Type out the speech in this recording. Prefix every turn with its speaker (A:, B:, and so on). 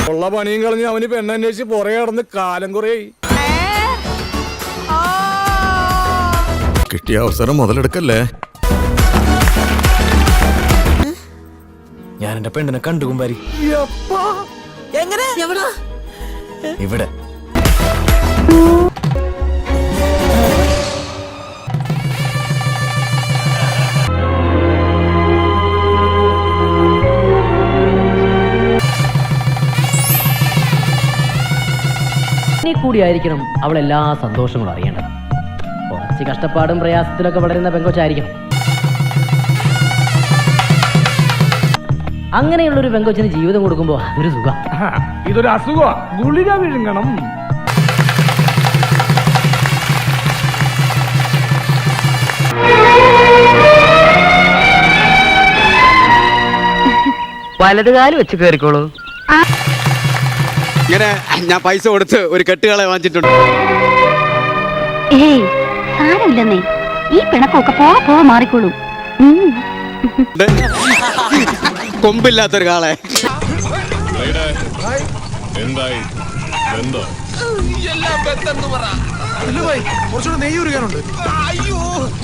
A: ഉള്ള പണിയും കളഞ്ഞ് അവന് പെണ്ണന്വേഷിച്ച് പുറകെ നടന്ന് കാലം കുറേ കിട്ടിയ അവസരം മുതലെടുക്കല്ലേ.
B: ഞാൻ എന്റെ പെണ്ണിനെ കണ്ടു കുമ്പാരി. ഇവിടെ
C: കൂടിയായിരിക്കണം അവൾ എല്ലാ സന്തോഷങ്ങളും അറിയേണ്ടത്. കുറച്ച് കഷ്ടപ്പാടും പ്രയാസത്തിലൊക്കെ വളരുന്ന പെങ്കൊച്ചായിരിക്കണം. അങ്ങനെയുള്ളൊരു പെങ്കൊച്ചിന് ജീവിതം കൊടുക്കുമ്പോ അതൊരു സുഖം.
D: ഇതൊരു അസുഖ ഗുളിക വിഴുങ്ങണം.
C: വലതുകാല് വെച്ച് കയറിക്കോളൂ.
E: ഇങ്ങനെ ഞാൻ പൈസ കൊടുത്ത് ഒരു കെട്ടുകളെ വാങ്ങിച്ചിട്ടുണ്ട്.
F: ഏയ് സാരമില്ലെന്നേ, ഈ പിണക്കൊക്കെ പോ മാറിക്കോളൂ.
E: കൊമ്പില്ലാത്തൊരു കാളെ.
A: എന്തായി
D: കുറച്ചുകൂടെ നെയ്യ് ഉരുകാനുണ്ട്.